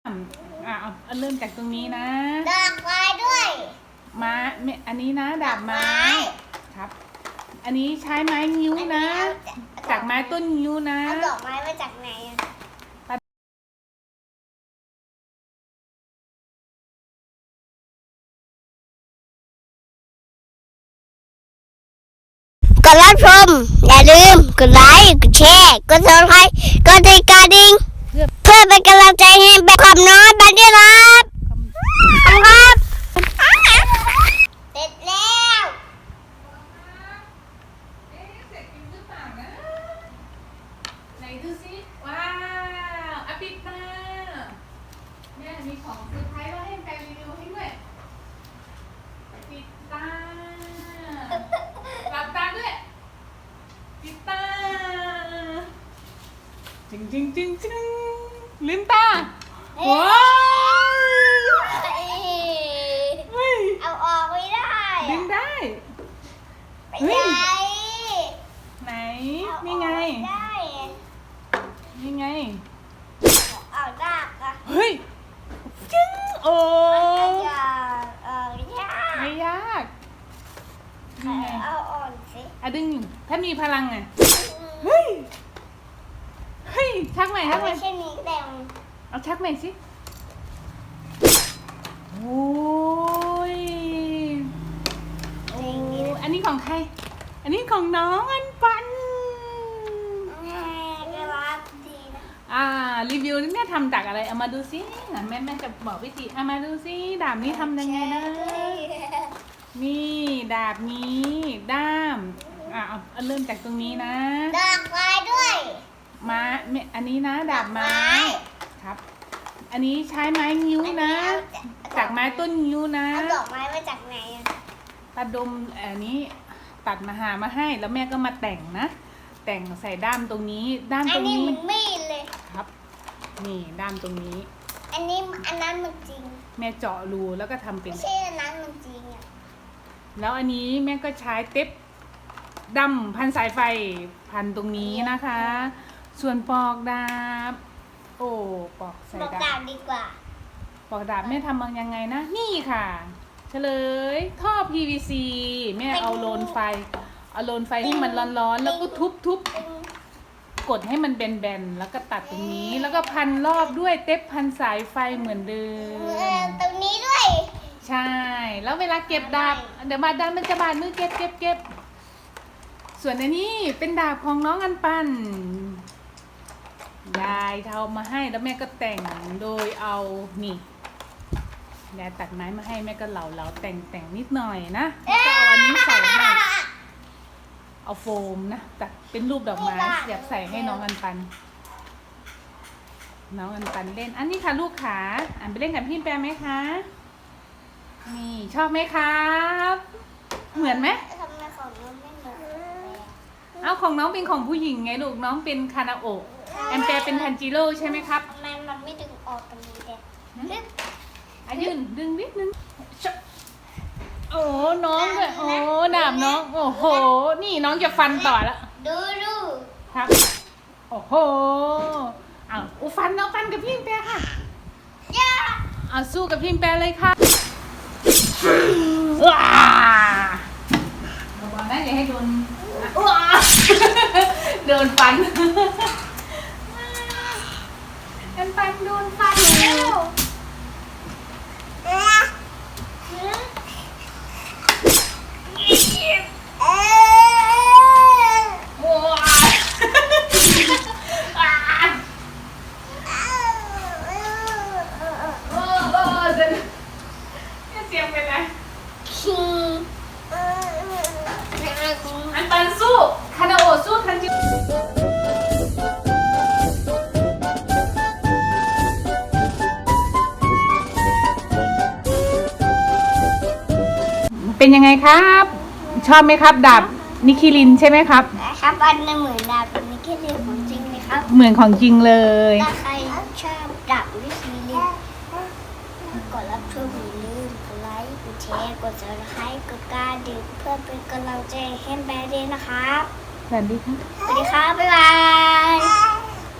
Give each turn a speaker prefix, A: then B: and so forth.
A: เอาเริ่มจากตรงนี้นะ
B: ดอกไม้ด้วย
A: ม้าอันนี้นะดาบไม้ครับอันนี้ใช้ไม้งิ้วนะจากไม้ต้นงิ้วนะ
B: เอาดอกไม้มาจากไหนกดรับชมอย่าลืมกดไลค์กดแชร์กดซับสไครต์กดติดกระดิ่งเพื่อเป็นกำลังใจให้แบบความน้อยบันด้วยครับครับเสร็จแล้ว
A: เสร็จจริงหรือเปล่านะไหนดูสิว้าวปิดตาเนี่ยมีของเซอร์ไพรส์ว่าให้แฟนรีวิวให้ด้วยปิดตาหลับตาด้วยปิดตาจริงลืมตาว้าว
B: เอาออกไม่ได้
A: ดึงได้
B: ไม่ได้
A: ไหนนี่ไงนี่ไง
B: เอาดากอะ
A: เฮ้ยจึ๊งโอ้
B: ยาก
A: ไม่ยากนี่ไง
B: เอาอ่อนสิ
A: ดึงถ้ามีพลังไงเฮ้ยชักใหม่
B: ไม่ใช่นี้แต่
A: เอาชักใหม่สิโอ้ยอันนี้ของใครอันนี้ของน้องอันปัน
B: ก็รับดีนะ
A: รีวิวนี่แม่ทำจากอะไรเอามาดูซิแม่จะบอกวิธีเอามาดูซิดาบนี้ทำยังไงนะนี่ดาบนี้ด้ามเอาเริ่มจากตรงนี้นะ
B: ดอกไม้ด้วย
A: ม้าอันนี้นะดาบไม้ครับอันนี้ใช้ไม้งิ้วนะจากไม้ต้นงิ้วนะ
B: เอาดอกไม้มาจากไหน
A: ปลาดมอันนี้ตัดมาให้แล้วแม่ก็มาแต่งนะแต่งใส่ด้ามตรงนี้ด้ามตรงนี้
B: อันนี้เหมือนมีดเลย
A: ครับนี่ด้ามตรงนี้
B: อันนั้นมันจริง
A: แม่เจาะรูแล้วก็ทำเป็น
B: ไม่ใช่อันนั้นมันจริงอ่ะ
A: แล้วอันนี้แม่ก็ใช้เทปดำพันสายไฟพันตรงนี้นะคะส่วนปอกดาบปอกใส่
B: ดาบดีกว่า
A: ปอกดาบแม่ทำยังไงนะนี่ค่ะเฉลยท่อ PVC แม่เอาโลนไฟให้มันร้อนๆแล้วก็ทุบกดให้มันแบนๆแล้วก็ตัดตรงนี้แล้วก็พันรอบด้วยเทปพันสายไฟเหมือนเดิม
B: ตรงนี้ด้วย
A: ใช่แล้วเวลาเก็บดาบเดี๋ยวดาบมันจะบาดมือเก็บส่วนอันนี้เป็นดาบของน้องอันปันยายทำมาให้แล้วแม่ก็แต่งโดยเอานี่ยายตัดไม้มาให้แม่ก็เหลาแต่งนิดหน่อยนะแล้วก็เอาอันนี้ใส่ให้เอาโฟมนะตัดเป็นรูปดอกไม้อยากใส่ให้น้องอันปันเล่นอันนี้ค่ะลูกขาไปเล่นกับพี่แปมไหมคะนี่ชอบไหมครับเหมือนไหม
B: ทำไมของน้องไม่เหมือน
A: เอาของน้องเป็นของผู้หญิงไงลูกน้องเป็นคานาโอะแอมแปร์เป็นทันจิโร่ใช่ไหมครับ
B: ทำไมมันไม่ดึงออกตรงนี้เด็ก
A: ยืนดึงนิดนึงโอ้น้องเลยโอ้ดาบน้องโอ้โหนี่น้องจะฟันต่อแล้ว
B: ดู
A: ครับโอ้โหฟันกับพี่แปร์ค่ะสู้กับพี่แปร์เลยค่ะว้าบอกนะอย่าให้โดนฟันกันฟันโดนฟันแล้วอันปันสู้คานาโอะสู้ทันจิเป็นยังไงครับชอบไหมครับดาบนิคิลินใช่ไหมครับ
B: ครับอันนั้นเหมือนดาบนิคิลินของจริงเลยครับ
A: เหมือนของจริงเลย
B: ถ้าใครชอบดาบนิคิลินกดรับชมอย่าลืมกดไลค์กดแชร์กดซับสไครต์กดกระดิ่งเพื่อเป็นกำลังใจให้แบรนด์นะครับ
A: สวัสดีค่ะ
B: บ๊ายบาย